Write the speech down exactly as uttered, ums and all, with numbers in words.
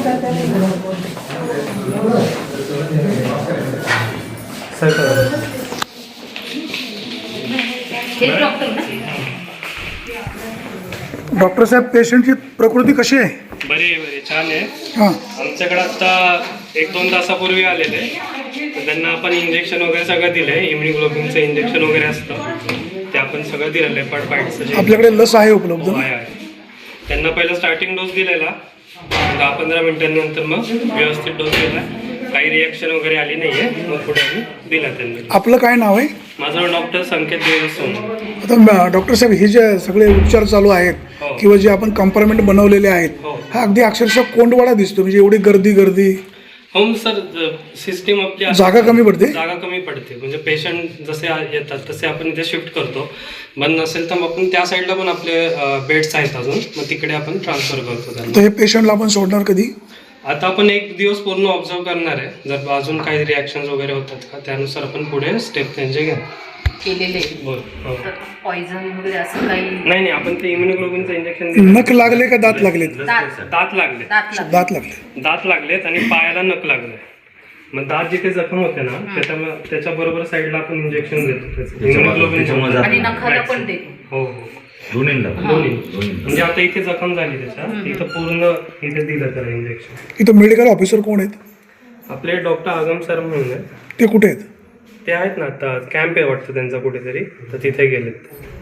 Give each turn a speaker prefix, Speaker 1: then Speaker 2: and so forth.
Speaker 1: Doctor साहेब, पेशंटची प्रकृती कशी आहे?
Speaker 2: बरी आहे, बरी छान आहे.
Speaker 1: हां,
Speaker 2: आमच्याकडे आता एक दोन तासापूर्वी आलेले, तर त्यांना आपण इंजेक्शन वगैरे सगळं दिलं आहे. इम्युनिग्लोबिनचं इंजेक्शन वगैरे असतं ते आपण सगळं दिलं. लेपर्ड बाईटचं
Speaker 1: आपल्याकडे लस आहे उपलब्ध?
Speaker 2: आहे आहे. त्यांना पहिला स्टार्टिंग डोस दिलेला, दहा पंधरा मिनिटांनंतर मग व्यवस्थित डोस दिला. काही रिॲक्शन वगैरे आली नाही आहे, मग पुढे आम्ही दिला त्यांना.
Speaker 1: आपलं काय नाव आहे?
Speaker 2: माझं डॉक्टर संकेत देवसोम.
Speaker 1: आता डॉक्टर साहेब, हे जे सगळे उपचार चालू आहेत
Speaker 2: हो.
Speaker 1: किंवा जे आपण कंपार्टमेंट बनवलेले आहेत,
Speaker 2: हो.
Speaker 1: हा अगदी अक्षरशः कोंडवाडा दिसतो. म्हणजे एवढी गर्दी गर्दी
Speaker 2: होम सर, सिस्टीम आपली
Speaker 1: जागा कमी पडते.
Speaker 2: जागा कमी पडते म्हणजे पेशंट जसे येतात तसे आपण इथे शिफ्ट करतो. बंद नसेल तर मग आपण त्या साईडला पण आपले बेड्स आहेत अजून, मग तिकडे आपण ट्रान्सफर करतो त्यांना.
Speaker 1: तर हे पेशंटला आपण सोडणार कधी?
Speaker 2: आता आपण एक दिवस पूर्ण ऑब्झर्व करणार आहे. जर अजून काही रिॲक्शन्स वगैरे होतात का त्यानुसार आपण पुढे स्टेप त्यांचे घ्या
Speaker 3: केलेले
Speaker 2: बोल. हो.
Speaker 3: पॉइझन वगैरे असं काही
Speaker 2: नाही नाही, आपण ते इम्युनोग्लोबिनचं इंजेक्शन
Speaker 1: नख लागले का दात लागलेत?
Speaker 3: दात
Speaker 2: दात लागले
Speaker 3: दात लागले.
Speaker 1: दात लागले.
Speaker 2: दात लागलेत आणि पायाला नख लागले. मग दात जिथे जखम होते ना त्याच्या त्याच्या बरोबर साईडला आपण इंजेक्शन देतो इम्युनोग्लोबिन
Speaker 3: आणि नखाला पण देतो.
Speaker 2: हो हो, दोन्ही. म्हणजे आता इथे जखम झाली त्याच्या, इथं पूर्ण इथे दिलं त्याला इंजेक्शन.
Speaker 1: इथं मेडिकल ऑफिसर कोण आहेत?
Speaker 2: आपले डॉक्टर आगम सर म्हणून आहे.
Speaker 1: ते कुठे आहेत?
Speaker 2: ते आहेत ना, आता कॅम्प आहे वाटतं त्यांचा कुठेतरी, तर तिथे गेलेत.